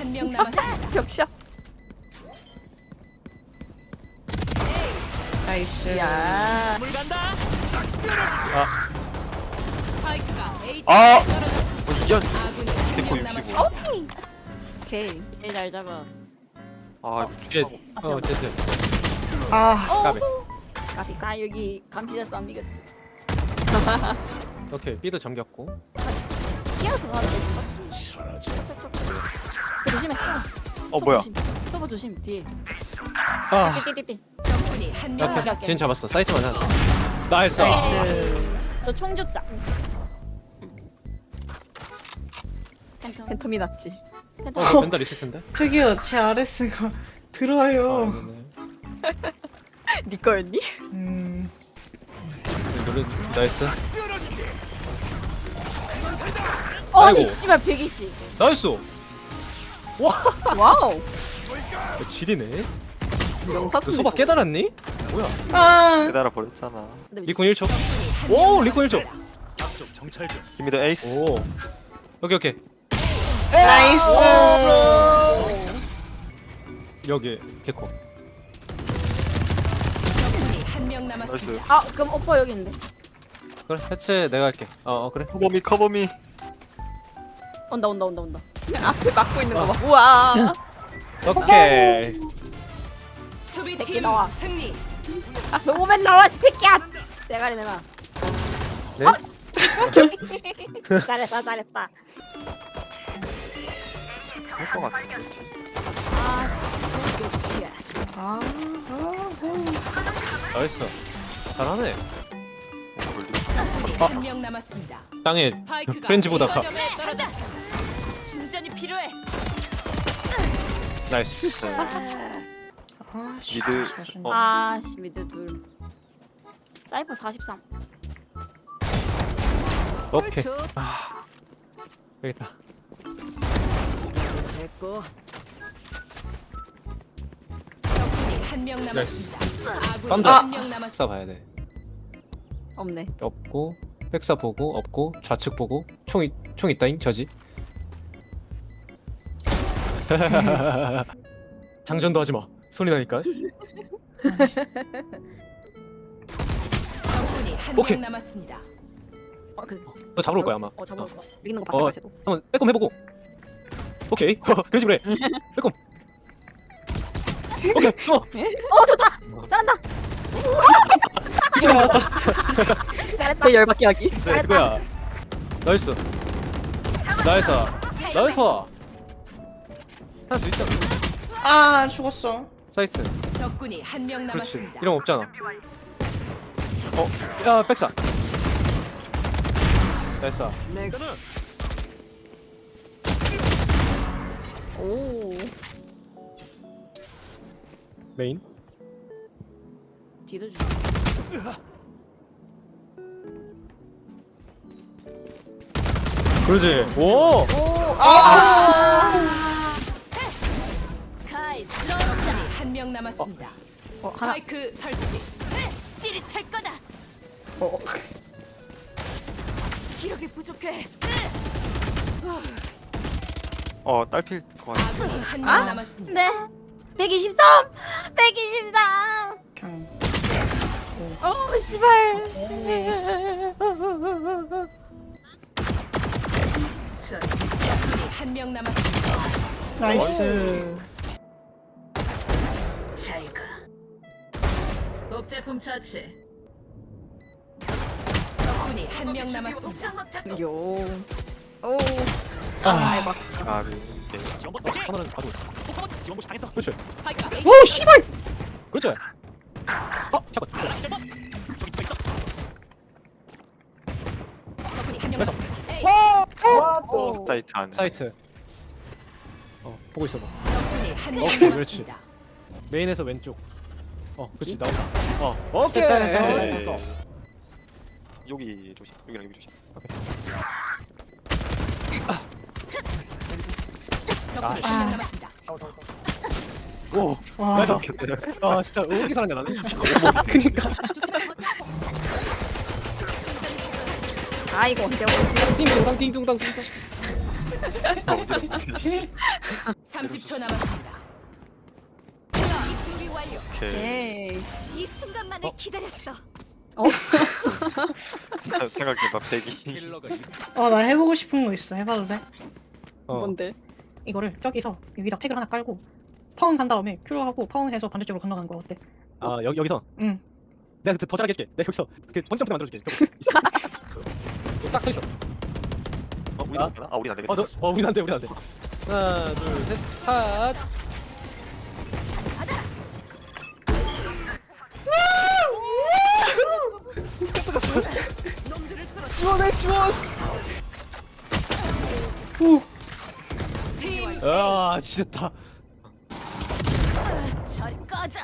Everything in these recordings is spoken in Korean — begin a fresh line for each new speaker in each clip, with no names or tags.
한 명 남았습니다.
벽샷.
나이스.
야.
물 간다.
아,
스파이크가 A
아!
지점에 떨어졌습니다.
이겼어.
아군이
데코
한명
65.
남았습니다.
오케이.
잘 잡았어.
아,
이제
이거
어쨌든
아,
까비.
까비.
나 여기 감시자 싸움 이겼어.
오케이 B도 잠겼고.
뛰어서 가야 돼. 조심해.
뭐야?
서버 조심. 뒤에.
아,
띠띠띠띠.
적군이 한 명
오케이
남았습니다.
진 잡았어. 사이트만 하나. 나이스.
저 총줍자. 팬텀.
팬텀이 낫지.
팬텀.
벤달 있을 텐데.
저기요, 제 RS가 들어와요.
아니네.
네 거였니?
노래 나이스.
아니
아이고.
씨발 120.
나이스.
와우.
지리네.
명사도
너 소박 깨달았니? 뭐야?
아,
기다려 버렸잖아.
리콘 1초. 오, 리콘 1초.
김미드 에이스.
오. 오케이 오케이.
나이스.
여기 개코.
적군이 한 명 남았습니다.
나이스.
아 그럼 오빠 여기 있는데.
그래 해체 내가 할게. 그래.
커버미.
온다.
앞에 막고 있는 거 봐. 우와.
오케이.
수비팀
새끼 나와.
승리.
아 저거만 나와 이 새끼야. 대가리 내놔.
네?
잘했다.
할것 같아.
아 씨.
아,
나이스. 잘하네.
적군이 한 명 남았습니다.
땅에
스파이크가
프렌즈 보다가
A 지점에 떨어졌습니다. 충전이 필요해.
나이스.
아, 씨.
미드.
자신-
아씨 미드 둘. 사이퍼 43.
오케이.
쭉
여기다.
됐고. 적군이 한 명 남았습니다. 아군이
깜짝.
한 명 남았습니다.
백사 봐야 돼.
없네.
없고 백사 보고 없고 좌측 보고 총 있다잉 저지. 장전도 하지 마. 손이 나니까.
적군이 한
오케이.
명 남았습니다.
너 잡으러 올 거야 아마.
잡아올 거야.
이기는 거 봤어, 쟤도.
한번 빼꼼 해보고. 오케이. 그런 식으로 해. 빼꼼. 오케이.
좋다. 잘한다. 잘했다.
개 열받게 하기.
네, 이거야. 나이스. 나이스. 나이스. 하나 더 있잖아.
아, 죽었어.
사이트.
적군이 한 명
그렇지.
남았습니다.
이런 거 없잖아. 야 백사. 나이스.
오.
메인.
뒤도 주.
그러지. 오.
스카이 적군이 한 명 남았습니다.
하나.
스파이크 설치. 찌릿할 거다. 기력이 부족해.
딸필 것 같아.
아군이 한 명 남았습니다.
네. 123. 123.
그냥.
씨발.
적군이 한 명 남았습니다.
나이스.
잘 가. 복제품 처치. 적군이 한 명 남았습니다.
요. 오.
아.
대박.
가비.
하나는 가도. 그렇지.
스파이크가 A
오, 씨발.
그렇지. 잠깐.
적군이 한 명
그래서.
남았습니다.
사이트 안에.
사이트. 보고 있어봐.
적군이 한 명
오케이,
남았습니다.
메인에서 왼쪽. 그렇지 나온다. 오케이.
됐다, 됐다, 됐다.
됐어.
여기 조심. 여기랑 여기 조심.
적군이 한 명 남았습니다.
오.
와,
나이스. 진짜 오기 사람이 나네.
그니까.
아, 이거 언제 오지?
띵동당 띵동당 띵동.
어디다
30초 남았습니다. 준비 완료.
오케이.
에이.
이 순간만을 기다렸어.
생각해봐 대기.
나 해보고 싶은 거 있어. 해봐도 돼?
뭔데?
이거를 저기서 여기다 택을 하나 깔고 파운 간 다음에 큐로 하고 파운해서 반대쪽으로 건너가는 거 어때?
아 여기서
응.
내가 더 잘하게 해줄게. 내가 여기서 그 번지점프 만들어줄게. 딱 서 있어.
우리도 안 되나? 우리는 안 되겠다.
우린 안 돼, 우린 안 돼. 하나, 둘, 셋, 핫. 지원해, 지원. 아, 지렸다.
저리 꺼져.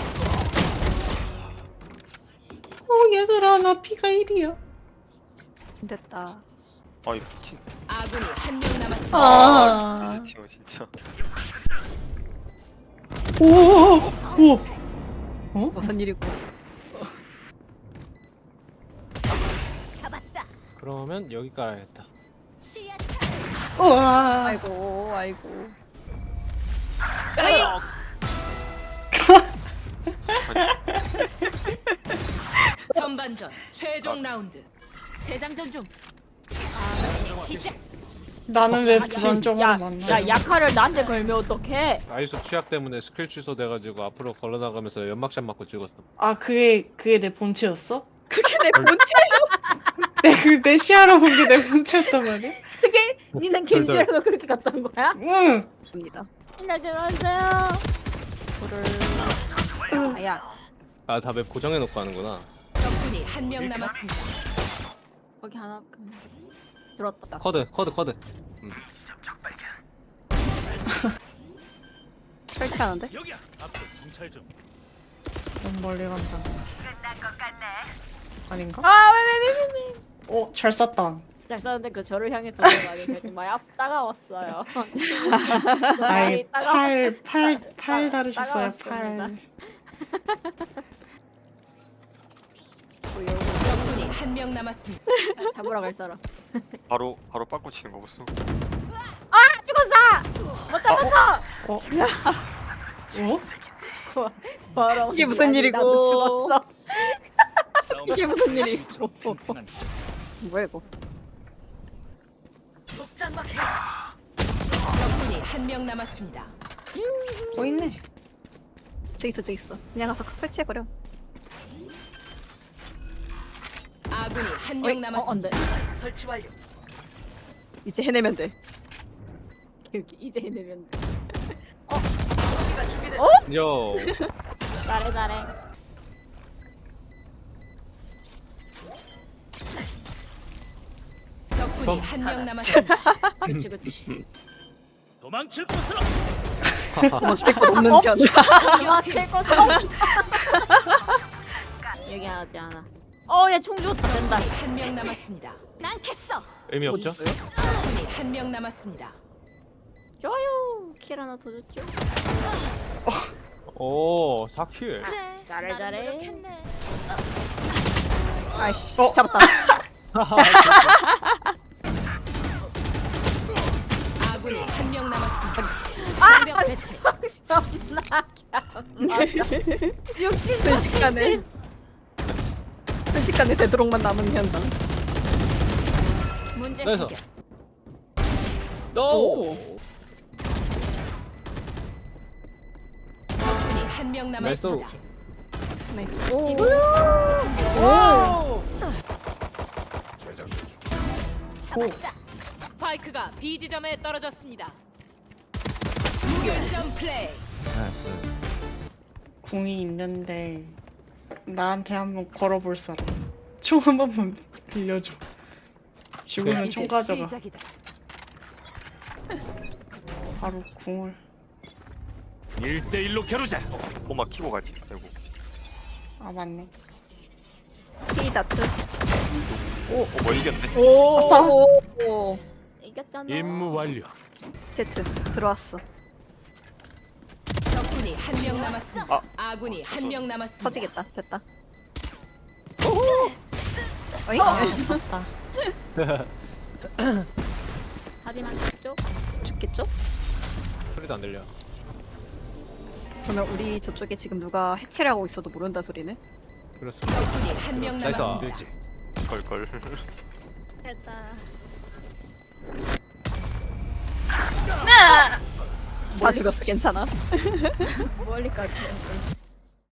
얘들아 나 피가 1이야.
됐다.
이거 미친.
아군이 한 명 남았습니다.
아.
미친 팀은 진짜.
오.
무슨 일이고?
잡았다.
그러면 여기 깔아야겠다.
시야
우와.
아이고, 아이고.
전반전 최종 라운드. 재장전 중. 시작.
나는 왜
야,
불안정으로 만나?
야 약화를 나한테 걸면 어떡해?
아이소 취약 때문에 스킬 취소돼가지고 앞으로 걸어나가면서 연막샷 맞고 죽었어.
아 그게 내 본체였어?
그게 내 본체.
내 시야로 본 게 내 본체였단 말이야?
그게 니는 겐지라고 그렇게 갔다 온 거야?
응.
입니다.
안녕하세요.
불을. 아야.
아, 다 맵 고정해놓고 하는구나.
적군이 한 명 남았습니다.
거기 하나 들었다.
커드.
설치하는데?
너무 멀리 간다. 아닌가?
아왜왜왜왜
잘 쐈다.
잘 썼는데 그 저를 향해서 들어가서 정말 따가웠어요.
아이
따가웠어요.
팔 다르셨어요.
따가웠습니다.
팔.
적군이 한 명 남았습니다.
잡으러 갈 사람.
바로 빠꾸 치는 거 보소.
아 죽었어! 못 잡았어! 바로
이게 무슨 일이고.
나도 죽었어.
이게 무슨 일이고? 뭐야 이거?
적군이 한 명 남았습니다.
있네.
저기 있어. 그냥 가서 설치해버려.
아군이 한 명 남았습니다.
안돼.
설치 완료.
이제 해내면 돼.
여기 이제 해내면 돼.
요.
잘해.
적군이 한 명 남았습니다.
그치.
도망칠 곳으로.
어쩔 거 없는 편.
맞힐 것은 여기 하지 않아. 얘 충주다 된다.
한 명 남았습니다. 난 캤어.
의미 없죠?
적군이 한 명 남았습니다.
좋아요. 킬 하나 더 줬죠.
오, 4킬.
그래.
잘해.
아이씨. 잡았다.
아군이 한 명 남았습니다. 장벽 배치.
순식간에 되도록만 남은 현장.
문제
그래서.
해결.
오.
적군이 한 명
나이스.
남았습니다.
스나이스.
잡았다. 스파이크가 B 지점에 떨어졌습니다. 무결점 플레이.
궁이 있는데 나한테 한번 걸어볼 사람. 총 한 번만 빌려줘. 죽으면 총 가져가.
시작이다.
바로 궁을.
1대1로 겨루자.
꼬마 키고 가지. 아이고.
아 맞네.
피다트.
뭐 이겼네.
아싸.
오.
이겼잖아.
임무 완료.
세트 들어왔어.
적군이 한 명 남았습니다.
아.
아군이 한 명 남았습니다.
터지겠다. 됐다. 어이?
맞다.
하지만 죽죠?
죽겠죠?
소리도 안 들려.
그러면 우리 저쪽에 지금 누가 해체를 하고 있어도 모른다 소리네?
그렇습니다.
적군이 한 명
나이스.
남았습니다.
되지.
걸걸.
됐다.
다 죽었어, 괜찮아.
멀리까지.